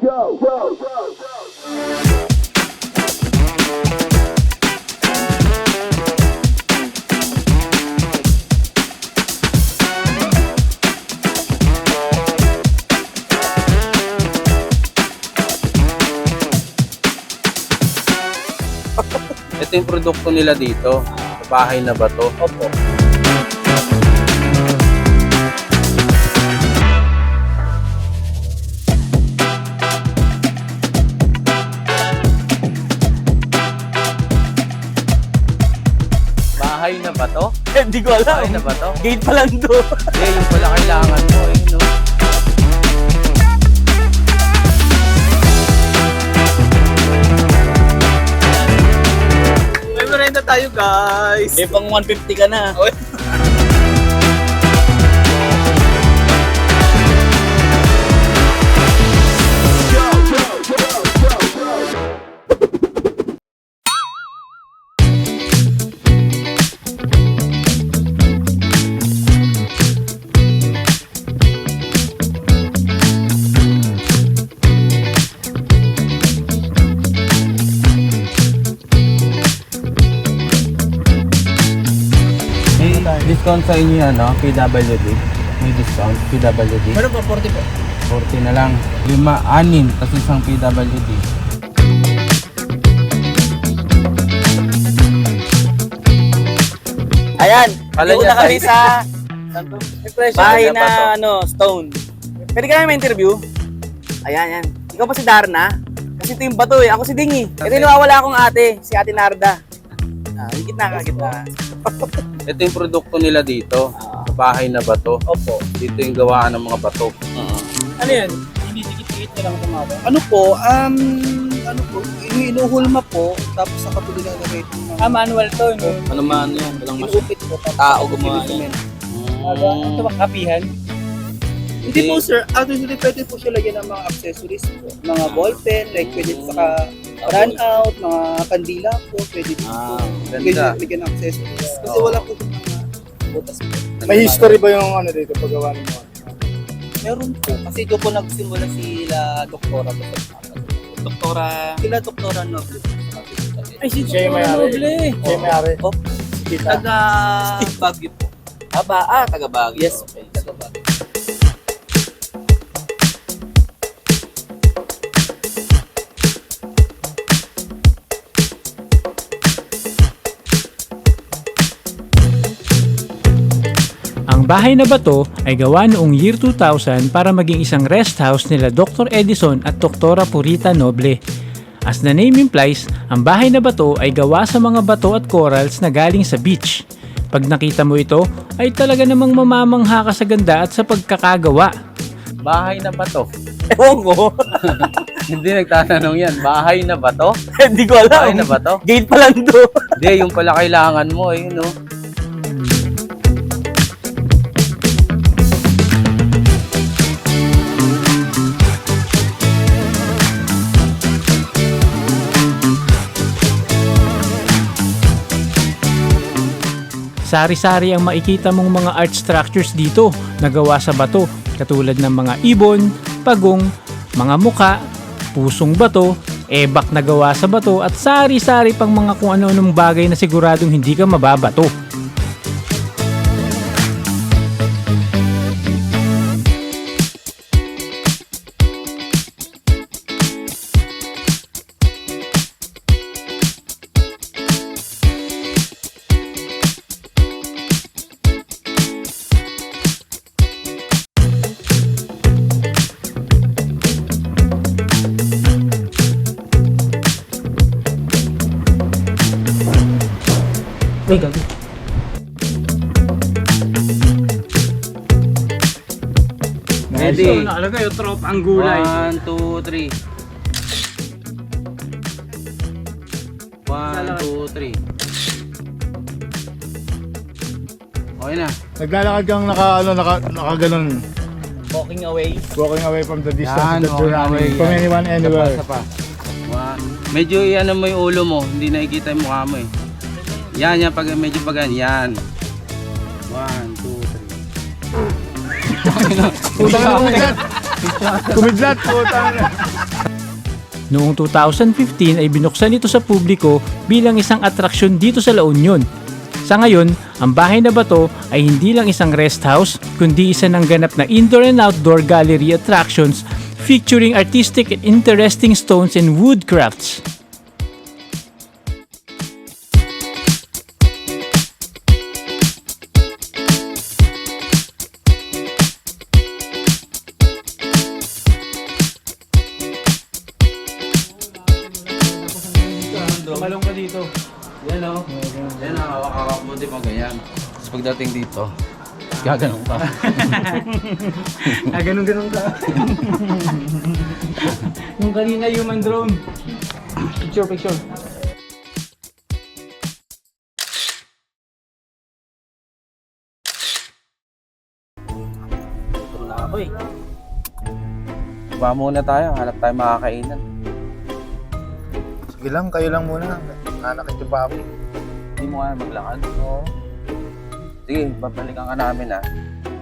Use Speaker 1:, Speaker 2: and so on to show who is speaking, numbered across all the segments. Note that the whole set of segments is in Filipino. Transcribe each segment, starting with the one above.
Speaker 1: Ito yung produkto nila dito. Bahay na ba to?
Speaker 2: Opo.
Speaker 1: Bahay na ba to?
Speaker 2: Hindi ko alam.
Speaker 1: Bahay na ba to?
Speaker 2: Gate pa lang to.
Speaker 1: Eh, yung pala kailangan mo eh, no?
Speaker 2: May merenda tayo, guys. Eh, pang 150 ka na.
Speaker 1: Discount sa inyo yan, no? PWD. May discount, PWD.
Speaker 2: Meron po, 40 po.
Speaker 1: 40 na lang. 5, 6, tapos isang PWD.
Speaker 2: Ayan,
Speaker 1: Kala
Speaker 2: dito
Speaker 1: niya
Speaker 2: na kami
Speaker 1: tayo.
Speaker 2: sa bahay na stone. Pwede ka namin interview? Ayan, yan. Ikaw pa si Darna? Kasi ito yung bato eh. Ako si Dingy. Ito yung nawawala akong ate, si Ate Narda. Yung gitna.
Speaker 1: Ito yung produkto nila dito. Sa bahay na ba to?
Speaker 2: Opo.
Speaker 1: Dito yung gawaan ng mga bato.
Speaker 2: Ano yan? Dinidikit-dikit na lang tumama? Ano po, inuhulma po, tapos saka po ginagawin. Manual to, no?
Speaker 1: Ano man yan? Walang
Speaker 2: Inuupit po, tapos
Speaker 1: tao gumawa yan.
Speaker 2: Ito ba kapihan? Hindi po sir, actually pwede po siya lagyan ng mga accessories po. Mga ballpen, like pwede saka run out, mga kandila po, pwede po.
Speaker 1: Ganda.
Speaker 2: Lagyan ng accessories. Kasi wala po mga butas po.
Speaker 3: May history ba yung ano dito paggawa ng mga?
Speaker 2: Meron po. Kasi doon po nagsimula sila Doktora po. Sila Doktora Noble. Ay, si
Speaker 3: Siya yung may-ari. Siya yung may-ari.
Speaker 2: Oh,
Speaker 3: Kita.
Speaker 2: taga Baguio po. Taga Baguio. Yes, taga Baguio.
Speaker 4: Ang bahay na bato ay gawa noong year 2000 para maging isang rest house nila Dr. Edison at Doktora Purita Noble. As the name implies, ang bahay na bato ay gawa sa mga bato at corals na galing sa beach. Pag nakita mo ito, ay talaga namang mamamangha ka sa ganda at sa pagkakagawa.
Speaker 1: Bahay na ba to?
Speaker 2: Ewan ko.
Speaker 1: Hindi nagtatanong yan. Bahay na ba to?
Speaker 2: Hindi ko alam.
Speaker 1: Bahay na ba to?
Speaker 2: Gate pa lang to.
Speaker 1: Hindi, yung pala kailangan mo eh, no?
Speaker 4: Sari-sari ang makikita mong mga art structures dito na gawa sa bato, katulad ng mga ibon, pagong, mga muka, pusong bato, ebak na gawa sa bato at sari-sari pang mga kung ano-anong bagay na siguradong hindi ka mababato. Uy, gabi.
Speaker 1: Ready?
Speaker 4: So, nakalagay yung trop ang gulay.
Speaker 1: 1, 2, 3. 1, 2, 3. Okay na.
Speaker 3: Naglalakad kang nakaganon.
Speaker 2: Walking away.
Speaker 3: Walking away from the distance
Speaker 1: Yan,
Speaker 3: that you're
Speaker 1: walking away,
Speaker 3: running. From
Speaker 1: yan.
Speaker 3: anyone, anywhere.
Speaker 1: Isa pa. Medyo iano mo yung ulo mo, hindi nakikita yung mukha mo eh. Yan, pag medyo pag yan. 1, 2, 3.
Speaker 3: Utang na mo yan. Kumidlat po.
Speaker 4: Noong 2015 ay binuksan ito sa publiko bilang isang atraksyon dito sa La Union. Sa ngayon, ang Bahay na Bato ay hindi lang isang rest house, kundi isa ng ganap na indoor and outdoor gallery attractions featuring artistic and interesting stones and wood crafts. Tumalong ka dito.
Speaker 1: Yan o. Yan o, hawak-hawak mo, di mo ganyan. Tapos pagdating dito, gaganong pa.
Speaker 4: Ganun-ganun ka. Yung kanina human drone. Picture.
Speaker 2: Ito na ako eh.
Speaker 1: Ba muna tayo, hanap tayo makakainan.
Speaker 3: Sige lang, kayo lang muna. Nanakit yung baboy.
Speaker 1: Hindi mo kaya maglakad. Oo. Sige, babalikan ka namin ah.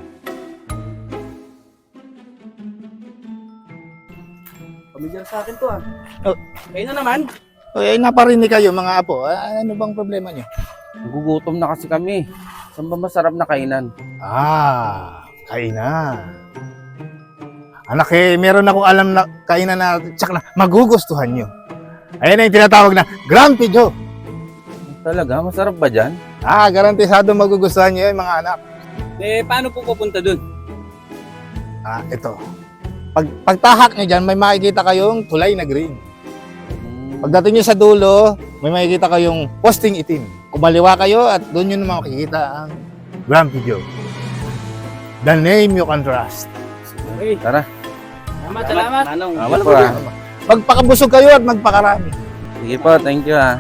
Speaker 2: Pamilyar sa akin to ah.
Speaker 3: Oh.
Speaker 2: Kayo na naman.
Speaker 3: Ay, naparinig kayo mga apo. Ano bang problema niyo?
Speaker 1: Nagugutom na kasi kami. Saan ba masarap na kainan?
Speaker 3: Kainan. Anak meron akong alam na kainan na tsak na magugustuhan nyo. Ayan na yung tinatawag na Grumpy Joe.
Speaker 1: Talaga? Masarap ba dyan?
Speaker 3: Garantisado magugustuhan nyo yun mga anak.
Speaker 2: Eh, paano po pupunta dun?
Speaker 3: Ito. Pagtahak nyo dyan, may makikita kayong tulay na green. Pagdating nyo sa dulo, may makikita kayong posting itim. Kumaliwa kayo at doon nyo naman makikita ang Grumpy Joe. The name you can trust.
Speaker 2: Okay.
Speaker 1: Tara.
Speaker 2: Salamat. Manong.
Speaker 1: Sige po ah.
Speaker 3: Magpakabusog kayo at magpakarami.
Speaker 1: Sige po, thank you ah.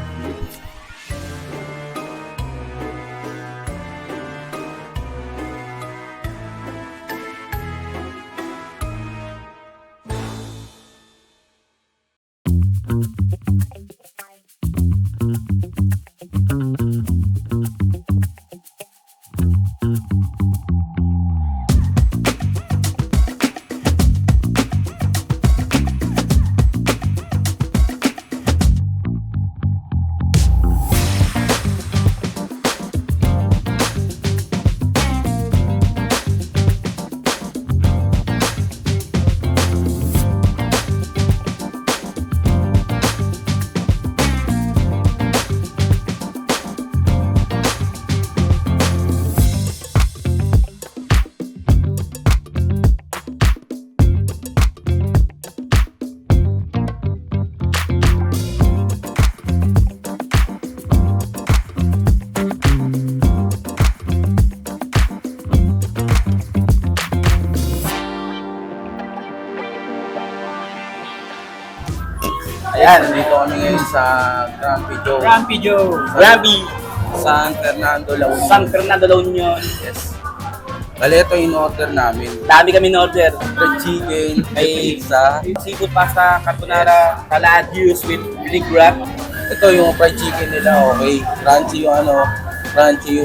Speaker 1: Ayan, nandito kami ngayon sa Grumpy Joe.
Speaker 2: Grumpy Joe. Grabe.
Speaker 1: San Fernando, La Union.
Speaker 2: San Fernando, La Union.
Speaker 1: Yes. Bale, ito yung order namin.
Speaker 2: Dami kami in-order.
Speaker 1: Fried chicken,
Speaker 2: May
Speaker 1: pizza.
Speaker 2: seafood pasta, carbonara, salad juice with Greek wrap.
Speaker 1: Ito yung fried chicken nila, okay. Crunchy yung ano, crunchy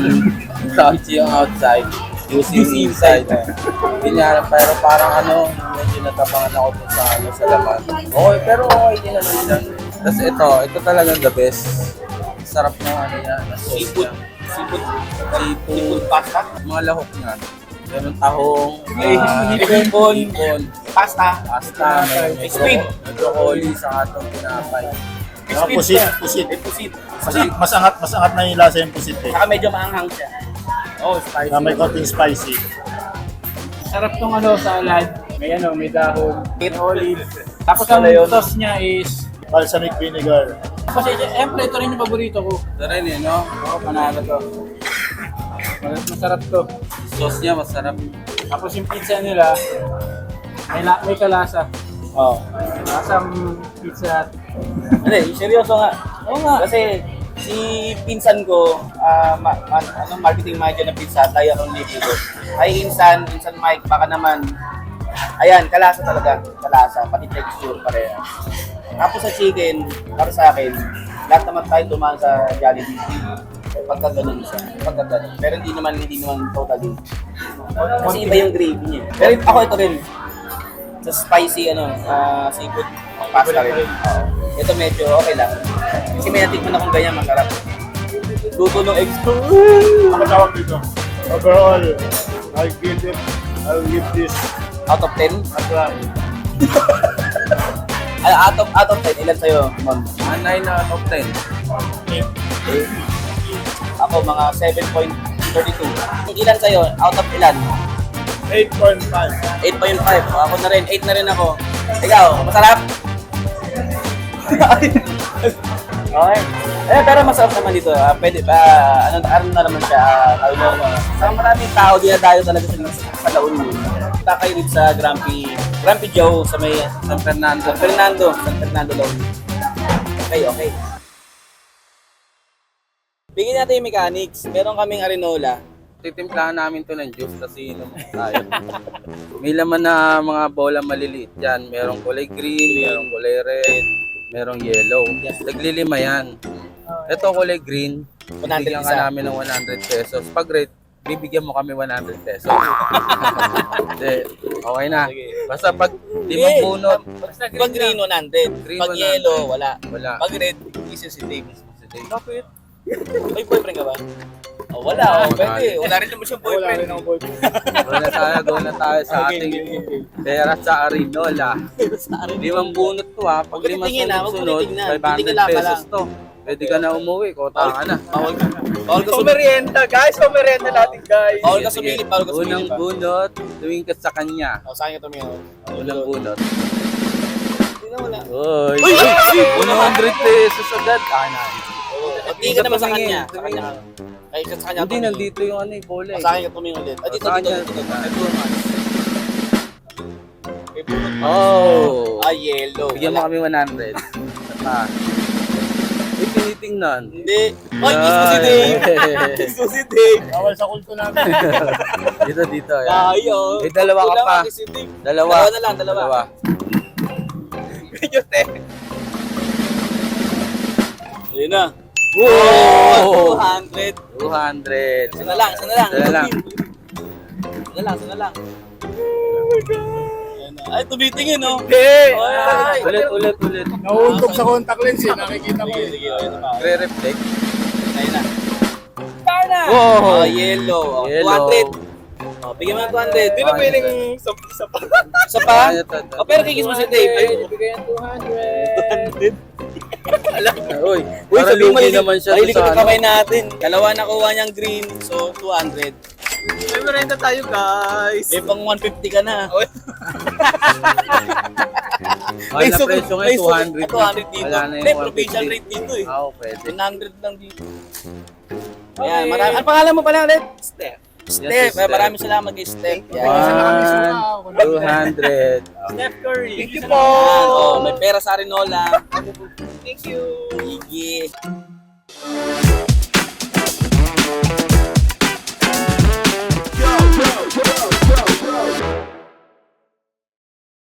Speaker 1: yung outside. Juicy yung inside. Ganyan, pero parang ano, medyo natapangan ako dun sa ano, sa laman. Okay, pero okay din naman yan. Tapos ito talagang the best. Sarap ng ano yan.
Speaker 2: Seafood.
Speaker 1: Seafood
Speaker 2: Pasta.
Speaker 1: mga lahok nga. Meron tahong,
Speaker 2: Hipon. Pasta.
Speaker 1: may
Speaker 2: Squid.
Speaker 1: may broccoli sa atong pinapay.
Speaker 3: Pusit.
Speaker 2: Pusit.
Speaker 3: Mas angat na yung lasa yung pusit eh.
Speaker 2: Saka medyo maanghang siya.
Speaker 1: Oh, spicy.
Speaker 3: May konting spicy.
Speaker 4: Sarap tong salad. May dahon, may olive. Tapos
Speaker 2: Ano
Speaker 4: ang
Speaker 2: yun?
Speaker 4: sauce niya is
Speaker 3: Balsamic vinegar.
Speaker 4: kasi siyempre ito rin yung paborito ko.
Speaker 1: Ito rin eh, no?
Speaker 4: Oo, panalo to. Masarap to.
Speaker 1: Sauce niya masarap.
Speaker 4: Tapos yung pizza nila, may kalasa.
Speaker 2: Oh.
Speaker 4: Lasang pizza.
Speaker 2: Hindi, seryoso nga. Oo nga. Kasi si pinsan ko, marketing manager ng pizza, tayo akong lipido. Ay, insan Mike, baka naman. Ayan, kalasa talaga. Kalasa, pati texture pareha. Tapos sa chicken, para sa akin, lahat naman tayo dumaan sa Jollibee. Pagka ganun siya. Pagka ganun. Pero hindi naman totally. Kasi iba yung gravy niya. Pero ako ito rin. Sa spicy, seafood pasta rin. Oo. Ito medyo okay lang. Kasi may natikman akong ganyan, masarap. Luto ng eggs ko.
Speaker 5: Ako tawag dito. Overall, I'll give this
Speaker 2: Out of 10? Out of 10, ilan sa'yo, Ma'am?
Speaker 1: 9 out of 10.
Speaker 2: Ako, mga 7.32. Ilan sa'yo? Out of ilan?
Speaker 5: 8.5.
Speaker 2: 8.5. Ako na rin, 8 na rin ako. Ikaw, masarap? Okay. Pero masarap naman dito. Pwede pa, ano na naman siya, maraming tao dinadayo talaga sa La Union. Punta kayo dito sa Grumpy Joe sa may
Speaker 1: San Fernando.
Speaker 2: San Fernando La Union. Okay. Bigyan natin yung mechanics. Meron kaming Arinola.
Speaker 1: Titimplahan namin to ng juice kasi inom tayo. May laman na mga bola maliliit dyan. Merong kulay green, merong kulay red, merong yellow. Naglilima yan. Ito kulay green,
Speaker 2: 100
Speaker 1: bibigyan ka
Speaker 2: isa.
Speaker 1: namin ng 100 pesos. Pag red, bibigyan mo kami 100 pesos. Hindi, okay na.
Speaker 2: Sige.
Speaker 1: Basta pag limang bunot,
Speaker 2: Pag green, 100.
Speaker 1: Green,
Speaker 2: Pag
Speaker 1: 100.
Speaker 2: yellow, wala.
Speaker 1: wala.
Speaker 2: Pag red, isa si Dave.
Speaker 1: Sige.
Speaker 2: Bakit? May boyfriend ka ba? Oh, wala. Pwede. Wala rin naman siyang
Speaker 5: Wala
Speaker 2: boyfriend.
Speaker 5: rin ako boyfriend.
Speaker 1: Go na tayo sa ating pera sa Arinola. Limang bunot to ha. Pag
Speaker 2: Huwag
Speaker 1: limang
Speaker 2: titingin, ha. Huwag
Speaker 1: sunod-sunod,
Speaker 2: titingnan.
Speaker 1: 500
Speaker 2: Titingin lang ka
Speaker 1: pesos
Speaker 2: lang.
Speaker 1: to. Pwede ka na umuwi, kota ka na.
Speaker 2: Bawal ka
Speaker 5: Merienda, guys. Merienda natin, guys.
Speaker 2: Bawal ka sumilip. Bawal ka sumilip.
Speaker 1: Unang bunot, tuwing ka sa kanya.
Speaker 2: Oh, saan ka tumingin?
Speaker 1: Unang bunot.
Speaker 2: Hindi na wala.
Speaker 1: Uy!
Speaker 2: Uy!
Speaker 1: 100 pesos agad.
Speaker 2: Tingin ka naman sa kanya. Sa kanya. Ay, sa kanya
Speaker 1: Hindi,
Speaker 2: tumingin.
Speaker 1: nandito yung ano, yung bola eh.
Speaker 2: Sa kanya tumingin ulit. Ah, dito,
Speaker 1: Sa
Speaker 2: dito,
Speaker 1: kanya.
Speaker 2: dito.
Speaker 1: Oh!
Speaker 2: Ah, yellow.
Speaker 1: Bigyan mo
Speaker 2: Wala.
Speaker 1: kami 100. Ah. Uy, tinitingnan.
Speaker 2: Hindi. Ay, kiss mo si Dave. Kiss mo si Dave.
Speaker 5: Bawal sa kulto namin.
Speaker 1: Dito. Yan.
Speaker 2: Ayaw.
Speaker 1: May dalawa ka pa.
Speaker 2: Kiss si Dave.
Speaker 1: Dalawa.
Speaker 2: Dalawa na lang, dalawa. Ayun na.
Speaker 1: Wow!
Speaker 2: 200.
Speaker 1: 200.
Speaker 2: Isa na lang.
Speaker 1: Isa na lang.
Speaker 2: Isa na lang. Ayan na. Ay, tumitingin, no?
Speaker 5: Hey!
Speaker 2: Ay.
Speaker 1: Ulit.
Speaker 5: Nahuhulog sa contact lens eh. Nakikita ko
Speaker 2: Sige,
Speaker 5: eh.
Speaker 2: sige. Ayun na pa.
Speaker 1: Re-reflect.
Speaker 2: Ayun na. Kaya
Speaker 1: Wow!
Speaker 2: yellow. Oh,
Speaker 1: Yellow.
Speaker 2: 200. Oh, bigyan mo ng 200.
Speaker 1: Hindi na pwedeng
Speaker 5: Isa pa.
Speaker 2: Isa pa?
Speaker 1: Ah, ito.
Speaker 2: Oh, pero kikis mo si Dave. Ayun.
Speaker 1: Bigyan 200.
Speaker 2: 200.
Speaker 1: Uy,
Speaker 2: Uy,
Speaker 1: para
Speaker 2: sabi mo,
Speaker 1: lugi naman siya
Speaker 2: mahilig
Speaker 1: sa
Speaker 2: ko
Speaker 1: ano.
Speaker 2: kamay natin. Dalawa nakuha niyang green, so 200.
Speaker 5: May merienda tayo, guys.
Speaker 2: May pang 150 ka na.
Speaker 1: Mahal na presyo ngayon, 200 na.
Speaker 2: 200 dito.
Speaker 1: Wala na
Speaker 2: Hindi,
Speaker 1: yung
Speaker 2: provincial
Speaker 1: 150.
Speaker 2: rate dito eh.
Speaker 1: Oo, pwede.
Speaker 2: 100 lang dito. Ayan, marami. Ang pangalan mo pala ulit? Steph.
Speaker 1: Yes, Steph.
Speaker 2: Maraming salamat kay Steph. Yan.
Speaker 1: 200.
Speaker 5: Steph Curry. Thank you
Speaker 2: Yan. Oh, may pera sa Arinola.
Speaker 5: Thank you.
Speaker 2: Sige.